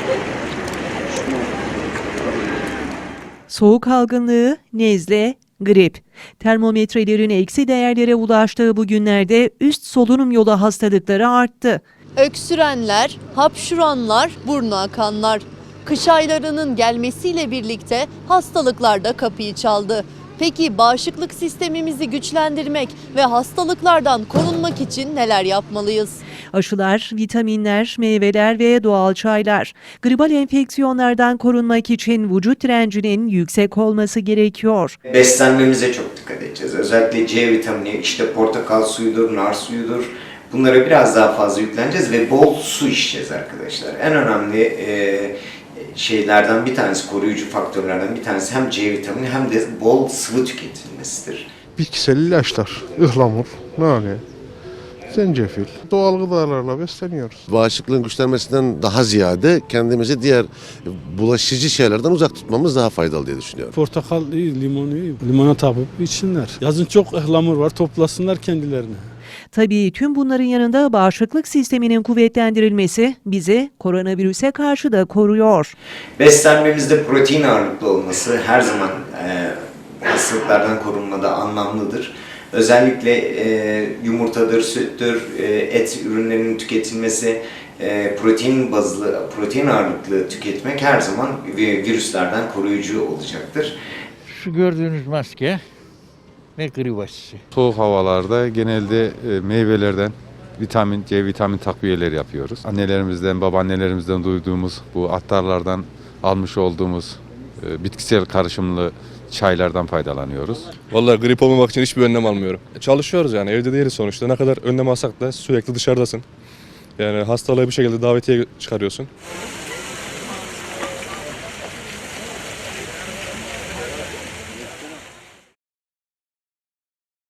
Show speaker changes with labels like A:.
A: Soğuk algınlığı, nezle, grip. Termometrelerin eksi değerlere ulaştığı bu günlerde üst solunum yolu hastalıkları arttı.
B: Öksürenler, hapşuranlar, burnu akanlar. Kış aylarının gelmesiyle birlikte hastalıklar da kapıyı çaldı. Peki bağışıklık sistemimizi güçlendirmek ve hastalıklardan korunmak için neler yapmalıyız?
A: Aşılar, vitaminler, meyveler ve doğal çaylar. Gribal enfeksiyonlardan korunmak için vücut direncinin yüksek olması gerekiyor.
C: Beslenmemize çok dikkat edeceğiz. Özellikle C vitamini, işte portakal suyudur, nar suyudur. Bunlara biraz daha fazla yükleneceğiz ve bol su içeceğiz arkadaşlar. En önemli şeylerden bir tanesi, koruyucu faktörlerden bir tanesi hem C vitamini hem de bol sıvı tüketilmesidir.
D: Bitkisel ilaçlar, ıhlamur, nane, zencefil, doğal gıdalarla besleniyoruz.
E: Bağışıklığın güçlenmesinden daha ziyade kendimizi diğer bulaşıcı şeylerden uzak tutmamız daha faydalı diye düşünüyorum.
F: Portakal iyi, limon iyi. Limona tapıp içsinler. Yazın çok ıhlamur var, toplasınlar kendilerini.
A: Tabii tüm bunların yanında bağışıklık sisteminin kuvvetlendirilmesi bizi koronavirüse karşı da koruyor.
C: Beslenmemizde protein ağırlıklı olması her zaman hastalıklardan korunmada anlamlıdır. Özellikle yumurtadır, süttür, et ürünlerinin tüketilmesi, protein ağırlıklı tüketmek her zaman virüslerden koruyucu olacaktır.
G: Şu gördüğünüz maske ve grip aşısı.
H: Soğuk havalarda genelde meyvelerden C vitamin takviyeleri yapıyoruz. Annelerimizden, babaannelerimizden duyduğumuz bu attarlardan almış olduğumuz bitkisel karışımlı çaylardan faydalanıyoruz.
I: Vallahi grip olmamak için hiçbir önlem almıyorum. Çalışıyoruz yani evde değiliz sonuçta. Ne kadar önlem alsak da sürekli dışarıdasın. Yani hastalığı bir şekilde davetiye çıkarıyorsun.